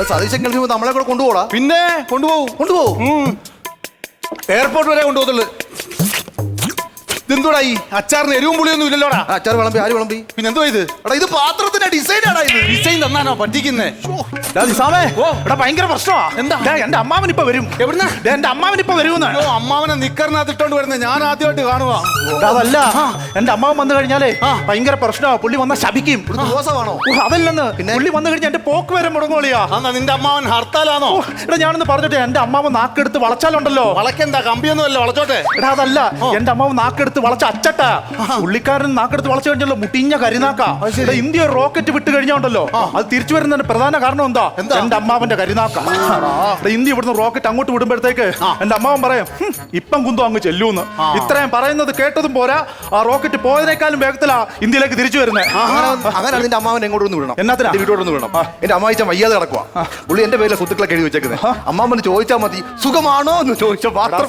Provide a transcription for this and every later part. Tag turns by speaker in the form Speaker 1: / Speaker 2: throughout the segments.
Speaker 1: സതീശൻ ഗൾഫിൽ നമ്മളെ കൂടെ കൊണ്ടുപോടാ.
Speaker 2: പിന്നെ കൊണ്ടുപോകും. എയർപോർട്ട് വരെ കൊണ്ടുപോകത്തുള്ളു. ഇതെന്തോടാ ഈ അച്ചാറിന് എരിവും പുളിയൊന്നും ഇല്ലല്ലോടാ.
Speaker 1: അച്ചാർ വിളമ്പി, ആര് വിളമ്പി?
Speaker 2: പിന്നെ എന്തോ ഇത്?
Speaker 1: എടാ ഇത് പാത്രത്തിന്റെ ഡിസൈൻ ആടാ. ഇത്
Speaker 2: ഡിസൈൻ തന്നാനോ പറ്റിക്കുന്നേ?
Speaker 3: ഭയങ്കര പ്രശ്നമാ.
Speaker 2: എന്താ?
Speaker 3: എന്റെ അമ്മാവൻ ഇപ്പൊ വരും.
Speaker 2: എവിടുന്ന?
Speaker 3: എന്റെ അമ്മാവൻ ഇപ്പൊ വരുമെന്ന്.
Speaker 2: അമ്മാവനെ നിക്കറിനകത്ത് ഇട്ടോണ്ട് വരുന്നത് ഞാൻ ആദ്യമായിട്ട് കാണുക.
Speaker 3: അതല്ല, എന്റെ അമ്മാവൻ വന്നു കഴിഞ്ഞാലേ ഭയങ്കര പ്രശ്നമാ. പുള്ളി വന്ന ശപിക്കും.
Speaker 1: ദോഷമാണോ?
Speaker 3: അതല്ലെന്ന്, പുള്ളി വന്നു കഴിഞ്ഞാൽ എന്റെ പോക്ക് വരെ മുടങ്ങോളിയാ.
Speaker 2: എന്നാ നിന്റെ അമ്മാവൻ ഹർത്താലാണോ?
Speaker 3: എടാ ഞാനൊന്ന് പറഞ്ഞോട്ടെ, എന്റെ അമ്മാവൻ നാക്കെടുത്ത് വളച്ചാലുണ്ടല്ലോ.
Speaker 2: വളക്കെന്താ കമ്പിയൊന്നും അല്ല, വളച്ചോട്ടെ.
Speaker 3: എടാ അതല്ല, എന്റെ അമ്മാവൻ നാക്കെടുത്ത് വളച്ച അച്ചട്ടാ. പുള്ളിക്കാരൻ നാക്കെടുത്ത് വളച്ചു കഴിഞ്ഞല്ലോ മുട്ടിഞ്ഞ കരിനാക്ക. ഇന്ത്യ റോക്കറ്റ് വിട്ട് കഴിഞ്ഞോണ്ടല്ലോ, അത് തിരിച്ചു വരുന്നതിന്റെ പ്രധാന കാരണം എന്താ? എന്റെ അമ്മാവന്റെ കരിനാക്ക. ഇന്ത്യ ഇവിടുന്ന് റോക്കറ്റ് അങ്ങോട്ട് വിടുമ്പോഴത്തേക്ക് എന്റെ അമ്മാവൻ പറയും ഇപ്പം കുന്തോ അങ്ങ് ചെല്ലൂന്ന്. ഇത്രയും പറയുന്നത് കേട്ടതും പോരാ, ആ റോക്കറ്റ് പോയതിനേക്കാളും വേഗത്തിലാ ഇന്ത്യയിലേക്ക് തിരിച്ചു വരുന്നത്.
Speaker 1: അങ്ങനെ നിന്റെ അമ്മാവൻ എങ്ങോട്ടൊന്ന് വിടണം.
Speaker 3: എന്നാത്തിനാ?
Speaker 1: വീട്ടോട്ടൊന്ന് വിടണം. എന്റെ അമ്മായിച്ച വയ്യാതെ കിടക്കുക. പുള്ളി എന്റെ പേരിലെ സ്വത്തുക്കളൊക്കെ എഴുതി വെച്ചേക്കുന്നത്. അമ്മാവന് ചോദിച്ചാൽ മതി സുഖമാണോ എന്ന് ചോദിച്ചാൽ മാത്രം.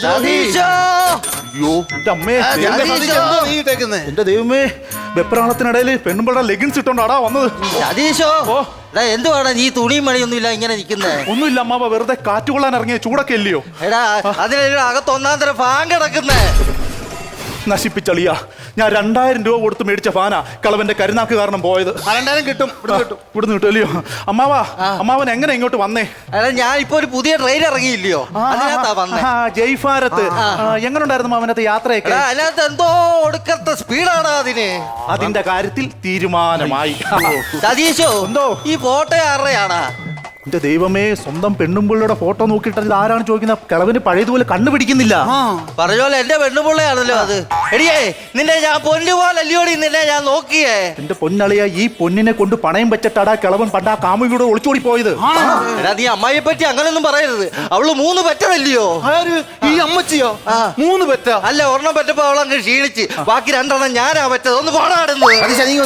Speaker 3: എന്റെ ദൈവമേ, വെപ്രാളത്തിനിടയിൽ പെണ്ണുമ്പഴ ലെഗിൻസ് ഇട്ടോണ്ടാടാ വന്നത്.
Speaker 4: സതീശോ, എന്തുവാണ് നീ തുണിയും മണിയൊന്നും ഇല്ല ഇങ്ങനെ നിൽക്കുന്നേ?
Speaker 3: ഒന്നുമില്ല അമ്മാവ, വെറുതെ കാറ്റുകൊള്ളാൻ ഇറങ്ങിയ ചൂടൊക്കെ ഇല്ലയോ?
Speaker 4: എടാ അതിന് അകത്ത് ഒന്നാം തരം ഫാൻ കിടക്കുന്നേ.
Speaker 3: നശിപ്പിച്ചളിയ, ഞാൻ 2000 രൂപ കൊടുത്ത് മേടിച്ച ഫാനാ കളവന്റെ കരുനാക്ക് കാരണം പോയത്.
Speaker 2: 2000 കിട്ടും,
Speaker 3: ഇവിടുന്ന് കിട്ടുമല്ലയോ? അമ്മാവൻ എങ്ങനെ ഇങ്ങോട്ട് വന്നേ?
Speaker 4: എടാ ഞാൻ ഇപ്പൊ ഒരു പുതിയ ട്രെയിൻ ഇറങ്ങിയില്ലയോ, അതിനകത്താ വന്നേ.
Speaker 3: ജയ് ഭാരത്. എങ്ങനെ ഉണ്ടായിരുന്നു മാമനത്തെ യാത്രയൊക്കെ?
Speaker 4: അതിനകത്ത് എന്തോ ഒടുക്കത്തെ സ്പീഡാണ് അതിന്.
Speaker 3: അതിന്റെ കാര്യത്തിൽ തീരുമാനമായി.
Speaker 4: സതീശോ,
Speaker 3: എന്തോ
Speaker 4: ഈ ഫോട്ടോ ആരുടെയാടാ?
Speaker 3: എന്റെ ദൈവമേ, സ്വന്തം പെണ്ണുമ്പിള്ളയുടെ ഫോട്ടോ നോക്കിയിട്ട് ഇത് ആരാണ് ചോദിക്കുന്നത്? കിളവിന് പഴയതുപോലെ കണ്ണു പിടിക്കുന്നില്ല.
Speaker 4: പറഞ്ഞോലെ എന്റെ പെണ്ണുപിള്ളയാണല്ലോ അത്. എടിയേ, നിന്നെ ഞാൻ പൊന്നുപോലല്ലയോടി നിന്നെ ഞാൻ നോക്കിയേ.
Speaker 3: എന്റെ പൊന്നളിയ, ഈ പൊന്നിനെ കൊണ്ട് പണയം വെച്ചിട്ടാടാ കിളവൻ പണ്ട് ആ കാമുകിയുടെ ഒളിച്ചോടി പോയത്.
Speaker 4: എടാ നീ അമ്മായിയെ പറ്റി അങ്ങനൊന്നും പറയരുത്. അവള് 3 പെറ്റതല്ലയോ?
Speaker 2: ഈ അമ്മച്ചിയോ? 3 പെറ്റ?
Speaker 4: അല്ല, ഒരെണ്ണം പെറ്റപ്പോ അവളങ്ങ് ക്ഷീണിച്ച്, ബാക്കി 2 ഞാനാ പെറ്റത്. ഒന്ന് പാടാടുന്നത്.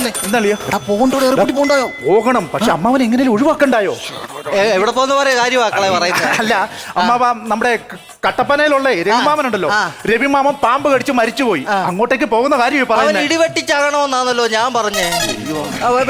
Speaker 3: പോകണം, പക്ഷെ അമ്മാവൻ എങ്ങനെയും ഒഴിവാക്കണ്ടായോ?
Speaker 4: എവിടെ പോന്ന് പറയാ കാര്യമാക്കളെ പറയുന്നത്.
Speaker 3: അല്ല അമ്മാവ, നമ്മുടെ കട്ടപ്പനയിലുള്ള രവിമാമനുണ്ടല്ലോ, രവിമാമൻ പാമ്പ് കടിച്ച് മരിച്ചുപോയി. അങ്ങോട്ടേക്ക് പോകുന്ന കാര്യം പറയുന്നത്.
Speaker 4: ഇടിവെട്ടിച്ചാകണമെന്നാണല്ലോ ഞാൻ പറഞ്ഞേ.